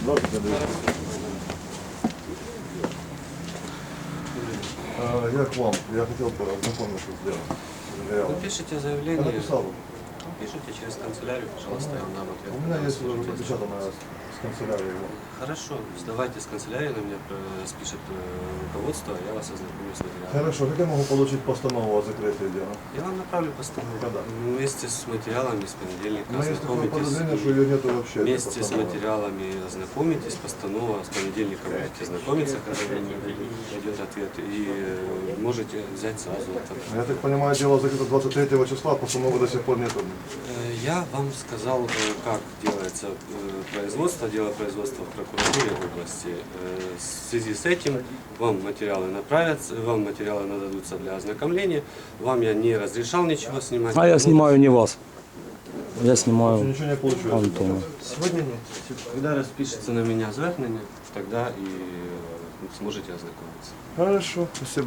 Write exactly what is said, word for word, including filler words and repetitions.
Здравствуйте, Андрей. А, Я к вам. Я хотел бы ознакомиться с делом. Я Вы пишите я заявление, написал. пишите через канцелярию, пожалуйста, я вам дам ответ. У меня есть уже напечатанное с канцелярии его. Хорошо, сдавайте с канцелярии, на меня э, спишет э, руководство, а я вас ознакомлю с материалом. Хорошо, как я могу получить постанову о закрытии дела? Я вам направлю постанову. Когда? Вместе с материалами с понедельника У меня есть такое ознакомитесь. подозрение, что ее нету вообще. этой Вместе с постановы. материалами ознакомитесь, постанова с понедельника будете знакомиться, когда пойдет ответ, и э, можете взять сразу ответ. Я так понимаю, дело закрыто двадцать третьего числа, постановы до сих пор нету. Э, Я вам сказал, э, как делается э, производство, дело производства в прокуратуре области. Э, В связи с этим вам материалы направятся, вам материалы нададутся для ознакомления. Вам я не разрешал ничего снимать. А я снимаю не вас. Я Вообще снимаю ничего не получилось. Антона. Сегодня нет. Когда распишется на меня звернення, тогда и э, сможете ознакомиться. Хорошо, спасибо.